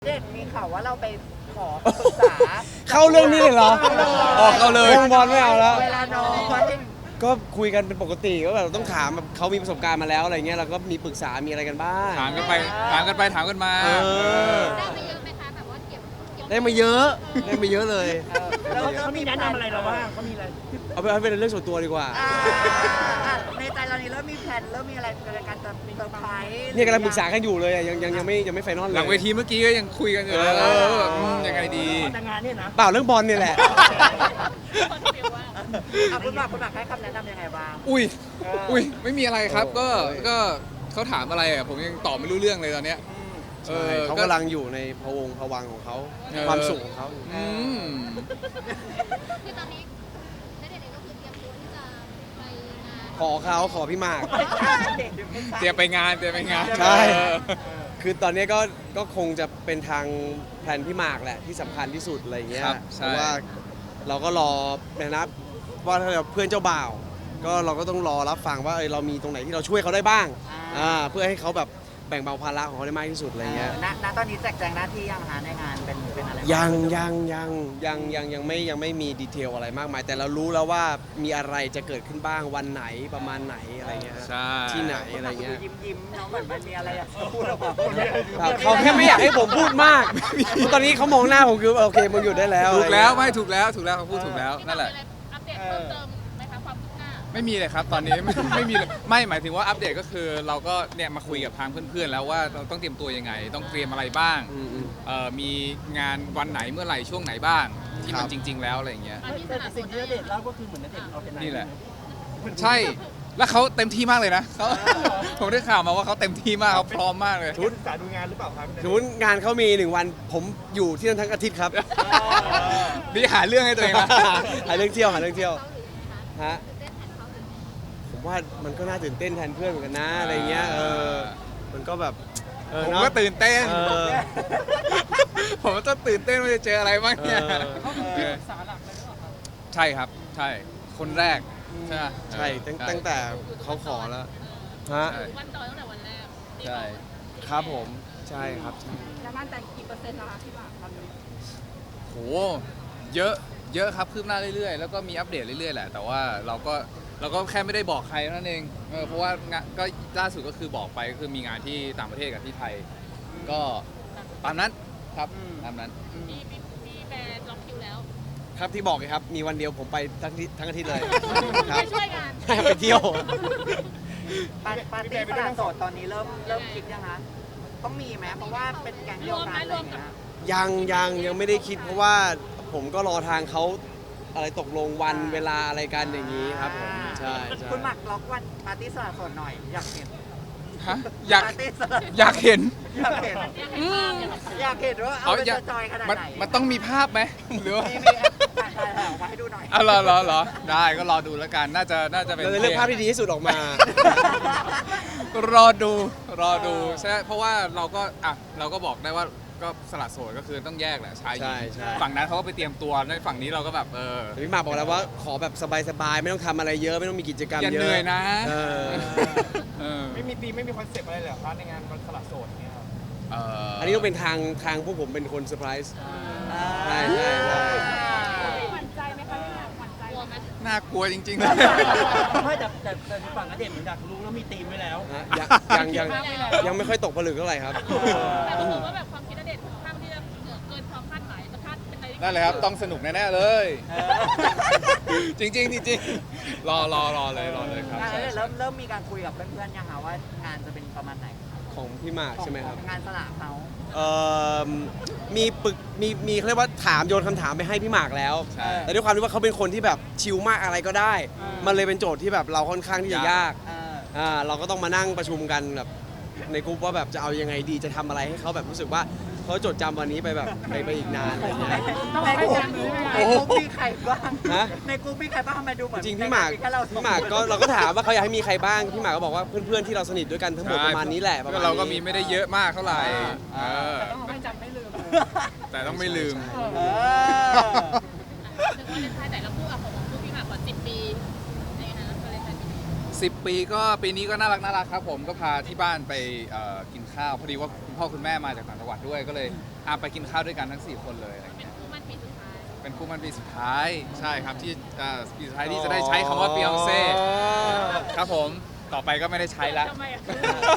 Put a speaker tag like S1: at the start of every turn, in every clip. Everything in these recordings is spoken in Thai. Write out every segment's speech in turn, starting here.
S1: เด็กมีข่าวว่าเราไปขอปรึกษา
S2: เข้าเรื่องนี้เลยเหรอ
S3: ออกเข้าเลย
S2: วงบอลไม่เอาแล้ว
S1: เวลาน้อย
S2: ก็คุยกันเป็นปกติก็แบบต้องถามแบบเขามีประสบการณ์มาแล้วอะไรเงี้ยเราก็มีปรึกษามีอะไรกันบ้าง
S3: ถามกันไปถามกันไปถามกันมา
S2: เออ
S4: ได้มาเยอะไหมคะแบบว่าเก็บ
S2: ได้มาเยอะได้มาเยอะเลย
S1: แล้ว
S5: เขามีแนะนำอะไรเราบ้างเขามีอะไร
S2: เอาไปให้เป็นเรื่องส่วนตัวดีกว่า
S1: ในใจเรานี่เริ่มมีแผนเริ่มมีอะไรในการจะเซอร์ไพรส์
S2: เนี่ยกำลังปรึกษากันอยู่เลยอะยังไม่ไฟนอลเลย
S3: หลังเวทีเมื่อกี้ก็ยังคุยกันอยู่เลย
S2: เออ
S3: ว่าแบบยังไงดี
S5: แต่งานเนี่ยนะ
S2: เปล่าเรื่องบอลเนี่ยแหละ
S1: คุณหมากให้คำแนะนำยังไงบ้าง
S3: อุ้ยไม่มีอะไรครับก็เขาถามอะไรอ่ะผมยังตอบไม่รู้เรื่องเลยตอนเนี้ย
S2: ใช่เขากำลังอยู่ในพะวงพะวังของเขา
S3: เออ
S2: ความสุขของเขา
S3: อืม
S4: คือตอนนี้ณเดชน์เองก็คือเตรียมตัวที่จะไปงาน
S2: ขอพี่หมาก
S3: เตรียมไปงาน
S2: ใช่
S3: เออ
S2: คือตอนนี้ก็คงจะเป็นทางแผนพี่หมากแหละที่สำคัญที่สุดอะไรเงี้ย
S3: ครับ
S2: เพ
S3: ใช่
S2: ราะว่าเราก็รอนะครับว่าถ้าเพื่อนเจ้าบ่าว ก็เราก็ต้องรอรับฟังว่าเรามีตรงไหนที่เราช่วยเขาได้บ้างเพื่อให้เขาแบบแบ่งเบาภาระของเขาได้มากที่สุดอะไรเงี้ย
S1: ณตอนนี้แจกแจงหน้าที่ยังหาในงานเป็นอะไร
S2: ยังไม่มีดีเทลอะไรมากมาย แต่เรารู้แล้วว่ามีอะไรจะเกิดขึ้นบ้างวันไหนประมาณไหนอะไรเงี้ย
S3: ใช่
S2: ที่ไหนอะไรเงี้ย
S1: ยิ้มน้องเหมือนมันมีอะไรอยากพูดออกมา
S2: ครับเขาแค่ไม่อยากให้ผมพูดมาก ตอนนี้เขามองหน้าผมคือโอเคมึงหยุดได้แล้ว
S3: ถูกแล้ว
S2: อะไร
S3: ไม่
S2: เงี้ย
S3: ถูกแล้วเขาพูดถูกแล้วนั่นแหละ
S4: มีอัปเดตเพิ่มเติมไหมคะความคืบหน้า
S3: ไม่มีเลยครับตอนนี้ ไม่มีเลยไม่หมายถึงว่าอัปเดตก็คือเราก็เนี่ยมาคุยกับทางเพื่อนๆแล้วว่าเราต้องเตรียมตัวยังไง ต้องเตรียมอะไรบ้าง
S2: อืม
S3: มีงานวันไหนเมื่อไหร่ช่วงไหนบ้าง ที่มัน
S2: ครับ
S3: จริง ๆ แล้วอะไรอย่างเงี้ย
S5: แต่สิ่งที่ณเดชน์เล่าก็คือเหมือนณเดชน์เอาเป็น
S3: นี่แหละ ใช่แล้วเขาเต็มที่มากเลยนะเขา ผมได้ข่าวมาว่าเขาเต็มที่มากเขาพร้อมมากเลย
S5: ชุดศึกษาดูงานหรือเปล่าครับ
S2: สมมติงานเขามี1 วันผมอยู่ที่นั่นทั้งอาทิตย์ครับ
S3: นี่หาเรื่องให้ตัวเองนะ
S2: หาเรื่องเที่ยว
S4: เขาหรือยังไงคะ
S2: ฮะ
S4: ตื่นเต้นแทนเขาหรือยังไง
S2: ผมว่ามันก็น่าตื่นเต้นแทนเพื่อนเหมือนกันนะอะไรเงี้ยมันก็แบบ
S3: ผม
S2: เนอะ
S3: ก็ตื่นเต้น
S2: เออ
S3: ผมก็ตื่นเต้นว่าจะเจออะไรบ้างเนี่ย
S2: เออ
S3: ใช่ครับ ใช่ คนแรก ใช่ไหม
S2: ใช่ตั้งแต่เขาขอแล้วฮะ
S3: ใช่
S4: วันต่อตั้งแต่วันแรก
S3: ใช่
S2: ครับผมใช่ครับใช่
S4: แล้วมั่นใจกี่เปอร์เซ็นต์นะคะที่ว่าตอนนี้
S3: โหเยอะเยอะครับคืบหน้าเรื่อยๆ แล้วก็มีอัปเดตเรื่อยๆแหละ แต่ว่าเราก็แค่ไม่ได้บอกใครนั่นเองเพราะว่างานก็ล่าสุดก็คือบอกไปก็คือมีงานที่ต่างประเทศกับที่ไทย ก็ตามนั้นครับตามนั้น
S4: มีแบรนด์ล็อกคิวแล้ว
S2: ครับที่บอกไงครับมีวันเดียวผมไปทั้งอาทิตย์เลยครั
S4: ไป
S2: บ
S4: ช่วยงาน
S2: ไปเที่ยว
S1: ปาร์ตี้ฝรั่งโสดตอนนี้เริ่มคิดยังคะต้องมีไหมเพราะว่าเป็นแก๊งเดียวกันอะไรอย่างเงี้ย
S2: ยังไม่ได้คิดเพราะว่าผมก็รอทางเขาอะไรตกลงวันเวลาอะไรกันอย่างนี้ครับผมใช่ใช่
S1: คุณหมักล็อกวันปาร์ตี้สละโสดหน่อยอยากเห็น
S3: ฮะอยาก
S1: ปาร์ตี้สละ
S3: อยากเห็น
S1: อยากเห็นอยากเห็นว่าเอาไปจะจอยขนาด
S3: มัน
S1: ไหน
S3: มันต้องมีภาพไหมหรือว่า
S1: มีถ่ายออกมาให้ดูหน่อย
S3: อ๋อเหรอได้ก็รอดูแล้วกันน่าจะเป็น
S2: เราจะเลือกภาพที่ดีที่สุดออกมา
S3: รอดูใช่เพราะว่าเราก็บอกได้ว่าก็สละโสดก็คือต้องแยกแหละชายหญิง
S2: ใช่
S3: ฝั่งนั้นเขาก็ไปเตรียมตัวในฝั่งนี้เราก็แบบ
S2: แต่พี่หมากบอกแล้วว่าขอแบบสบายๆไม่ต้องทำอะไรเยอะไม่ต้องมีกิจกรรม
S3: อย่า
S2: เยอะ
S3: เหนื่อยนะ
S2: เออ
S5: ไม่มีธีมไม่มีคอนเซปต์อะไรเลยเหรอครับในงานวันสละโสดเนี่ยครับ
S2: อันนี้ต้องเป็นทางพวกผมเป็นคนเซอร์ไพรส์ใช่
S4: หวั่นใจไหมคะพี่หมากหวั่นใจกลัวไหม
S3: น่ากลัวจริงๆเลย
S5: ไม่แต่ฝั่งณเดชน์เหมือนอยากรู้แล้วมีธีมไว้แล้ว
S2: ฮะยังไม่ค่อยตกผลึกเท่าไหร่ครับ
S4: แต่รู้สึกว่าแบบความคิดณเดชน์ค่อนข้างที่จะเกินความคาดหมายจะคาดเป็นอะไรที่
S3: นั่นเลยครับต้องสนุกแน่ๆเลย จริงรอเลยครับ
S1: งาน
S3: ใช่
S1: เริ่มมีการคุยกับเพื่อนๆยังคะว่างานจะเป็นประมาณไหน
S2: ของพี่หมากใช่ไหมครับ
S1: งานสละเขา
S2: เอ่อมีเขาเรียกว่าถามโยนคำถามไปให้พี่หมากแล้ว
S3: ใช่
S2: แต่ด้วยความที่ว่าเขาเป็นคนที่แบบชิลมากอะไรก็ได้ มันเลยเป็นโจทย์ที่แบบเราค่อนข้างที่จะยากเราก็ต้องมานั่งประชุมกันแบบในกลุ่มว่าแบบจะเอายังไงดีจะทำอะไรให้เขาแบบรู้สึกว่าเขาจดจำวันนี้ไปแบบไปอีกนานอะไรอย่างเงี้ย
S1: ในกลุ่มมีใครบ้าง
S2: ฮะ
S1: ในกลุ่มมีใครบ้างทำไมดูเหมือน
S2: จริงพี่หมาก
S1: แค่เรา
S2: พี่หมากก็เราก็ถามว่าเขาอยากให้มีใครบ้างพี่หมากก็บอกว่าเพื่อนๆที่เราสนิทด้วยกันทั้งหมดประมาณนี้แหละประมาณนี้
S3: เราก็มีไม่ได้เยอะมากเท่าไหร่
S4: ต้องไม่จำไม่ลืม
S3: แต่ต้องไม่ลืม
S1: เออ
S4: ถึงวาเลนไทน์แต่ละคู่ของคู่พี่หมากกว่า10 ปีในนะวาเลนไทน์ปีนี้
S3: 10 ปีก็ปีนี้ก็น่ารักครับผมก็พาที่บ้านไปกินข้าวพอดีว่าคุณพ่อคุณแม่มาจากต่างจังหวัดด้วยก็เลยไปกินข้าวด้วยกันทั้ง4คนเลยอะไร
S4: เป็น
S3: เงี้ย
S4: คู่มั่นปีสุดท้าย
S3: เป็นคู่มันปีสุดท้ายใช่ครับที่ปีสุดท้ายที่จะได้ใช้คำว่าเปียงเซ่ครับผมต่อไปก็ไม่ได้ใช้ละ
S4: ทำไมอ่ะ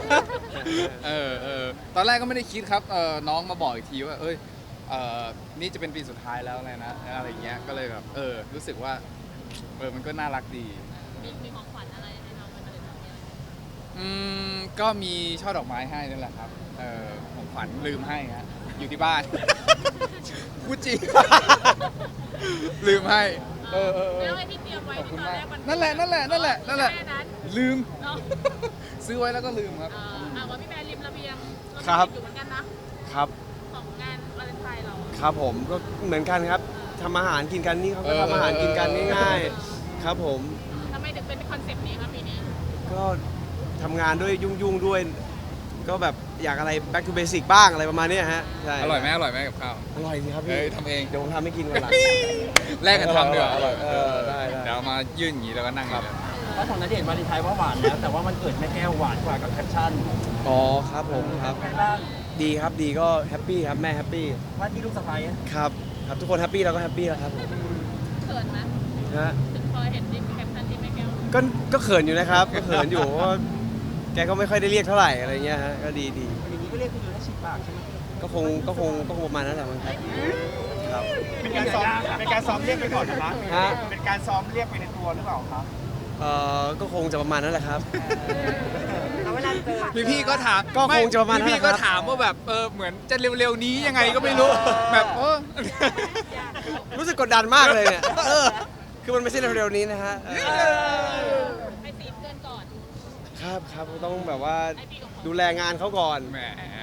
S3: ตอนแรกก็ไม่ได้คิดครับน้องมาบอกอีกทีว่านี่จะเป็นปีสุดท้ายแล้วอะไรเงี้ยก็เลยแบบรู้สึกว่ามันก็น่ารักดี
S4: มีของขวัญอะไรให้น้องมันเลยทำเนี่ย
S3: ก็มีช่อดอกไม้ให้นั่นแหละครับของขวัญลืมให้ฮะอยู่ที่บ้าน พูดจริง ลืมให้
S4: แล้วไอ้ที่เตรียมไว้
S3: ขอบ
S4: ที่
S3: คุณ
S4: ตอน
S3: มาก
S4: แรกมัน
S3: นั่นแหละ
S4: แค่นั้น
S3: ลืม
S4: เนาะ
S3: ซื้อไว้แล้วก็ลืมครับ
S4: ว่าพี่แบร์ริมระเบียง
S2: ครับ
S4: อยู่เหมือนกันนะ
S2: ครับ
S4: ของงานวาเลนไทน์เรา
S2: ครับผมก็เหมือนกันครับทำอาหารกินกันนี่เขาก็ทำอาหารกินกันง่ายๆครับผม
S4: ทำไมถึงเป็นคอนเซปต์นี้ครับปีนี้
S2: ก็ทำงานด้วยยุ่งๆด้วย ก็แบบอยากอะไร back to basic บ้างอะไรประมาณเนี้ยฮะใช่
S3: อร่อยไหมกับข้าว
S2: อร่อยสิครับพี่
S3: ทำเอง
S2: เดี๋ยวผมทำให้กินวันหลัง
S3: แลกกันทำดีกว่า
S2: อร่อยได้
S3: เดี๋ยวเอามายื่นอย่างนี้แล้วก็นั่งอย่างนี้เลย
S5: ถ้าของณเดชน์วาเลนไทน์ว่าหวานแล้วแต่ว่ามันเกิดแม่แก้วหวานกว่ากับแคปชั่น
S2: อ๋อครับผมครับ
S5: ใครบ้าง
S2: ดีครับดีก็แฮปปี้ครับแม่แฮปปี้
S5: ว่าที่ลูกสะใภ้
S2: ครับครับทุกคนแฮปปี้เราก็แฮปปี้แล้วครับผม
S4: เขินไหม
S2: นะฮะ
S4: ถึงพอเห็นดิแคปชั่นที่แม่แก้ว
S2: ก็เขินอยู่นะครับก็เขินอยู่เพราะว่าแกก็ไม่ค่อยได้เรียกเท่าไหร่อะไรเงี้ยฮะก็ดี
S5: อย่างนี้ก็เรียกคุณอยู่ได้ฉีดปากใช่ไหม
S2: ก็คงประมาณนั้นแหละมั้งครับครับ
S5: เป็นการซ้อมเรียกไปก่อนนะครับ
S2: ฮะ
S5: เป็นการซ้อมเรียกไปในตัวหรือเปล่าครับ
S2: ก็คงจะประมาณนั้นแหละครับ
S1: แล้วเวลาเจอ
S3: พี่ก็ถาม
S2: ก็คงจะประมาณนั้น
S3: พี่
S2: แหละ
S3: ก็
S2: ครับ
S3: ถามว่าแบบเหมือนจะเร็วๆนี้ยังไงก็ไม่รู้แบบ
S2: รู้สึกกดดันมากเลยเนี่ยคือมันไม่ใช่เร็วๆนี้นะฮะ
S4: ให้ตีเพื่อนก่อน
S2: ครับต้องแบบว่าดูแลงานเขาก่อน
S3: แหม